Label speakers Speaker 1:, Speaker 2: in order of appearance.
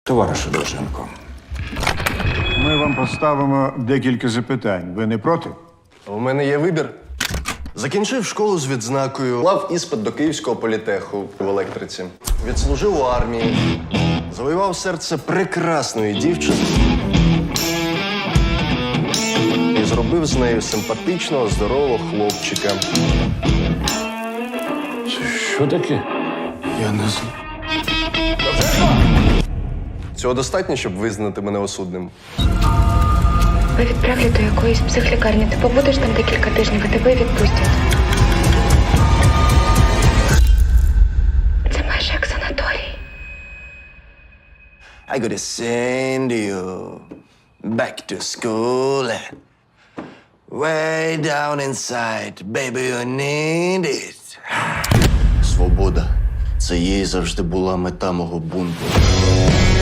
Speaker 1: Товаришу Довженко,
Speaker 2: Ми вам поставимо декілька запитань. Ви не проти?
Speaker 3: У мене є вибір. Закінчив школу з відзнакою, мав іспит до Київського політеху в електриці. Відслужив у армії, завоював серце прекрасної дівчини і зробив з нею симпатичного, здорового хлопчика.
Speaker 1: що таке?
Speaker 3: Я не знаю. Цього достатньо, щоб визнати мене осудним.
Speaker 4: Ви відправлять до якоїсь психлікарні. Ти побудеш там декілька тижнів, і тебе відпустять. Це майже як санаторій.
Speaker 3: I gotta send you back to school. Way down inside, baby, you need it. Свобода. Це їй завжди була мета мого бунту.